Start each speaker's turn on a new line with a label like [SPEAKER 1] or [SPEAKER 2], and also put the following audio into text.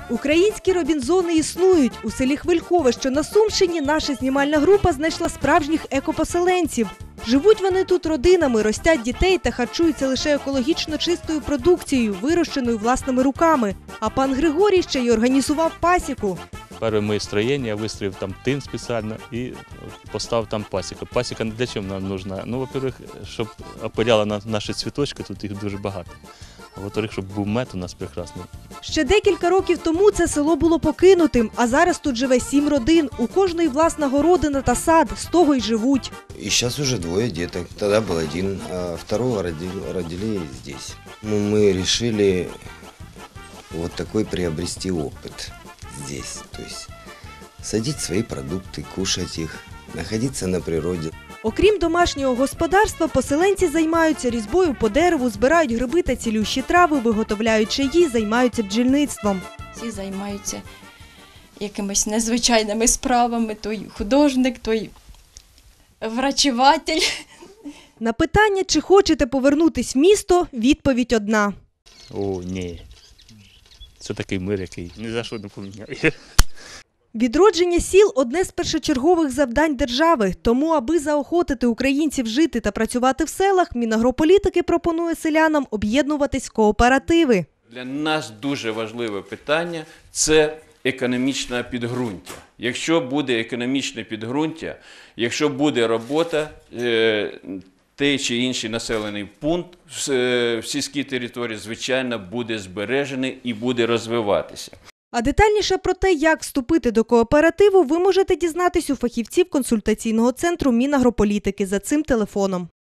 [SPEAKER 1] Українські робінзони існують. У селі Хвилькове, що на Сумщині, наша знімальна група знайшла справжніх екопоселенців. Живуть вони тут родинами, ростять дітей та харчуються лише екологічно чистою продукцією, вирощеною власними руками. А пан Григорій ще й організував пасіку.
[SPEAKER 2] Перше моє строєння, я вистроїв там тин спеціально і поставив там пасіку. Пасіка для чого нам потрібна? Ну, во-первых, щоб опиляла наші цвіточки, тут їх дуже багато. А во-вторых, щоб був мед у нас прекрасний.
[SPEAKER 1] Ще декілька років тому це село було покинутим, а зараз тут живе 7 родин. У кожної власна городина та сад, з того й живуть.
[SPEAKER 3] И сейчас уже 2 деток. Тогда был 1, а второго родили здесь. Мы решили вот такой приобрести опыт здесь. То есть садить свои продукты, кушать их, находиться на природе.
[SPEAKER 1] Окрім домашнього господарства, поселенці займаються різьбою по дереву, збирають гриби та цілющі трави, виготовляють чаї, займаються бджільництвом.
[SPEAKER 4] Всі займаються якимись незвичайними справами, той художник, той врачеватель.
[SPEAKER 1] На питання, чи хочете повернутись в місто, відповідь одна.
[SPEAKER 2] О, ні. Це такий мир, який ні за що не поміняє.
[SPEAKER 1] Відродження сіл – одне з першочергових завдань держави. Тому, аби заохотити українців жити та працювати в селах, Мінагрополітики пропонує селянам об'єднуватись в кооперативи.
[SPEAKER 5] Для нас дуже важливе питання – це економічне підґрунтя. Якщо буде економічне підґрунтя, якщо буде робота, той чи інший населений пункт в сільській території, звичайно, буде збережений і буде розвиватися.
[SPEAKER 1] А детальніше про те, як вступити до кооперативу, ви можете дізнатись у фахівців консультаційного центру Мінагрополітики за цим телефоном.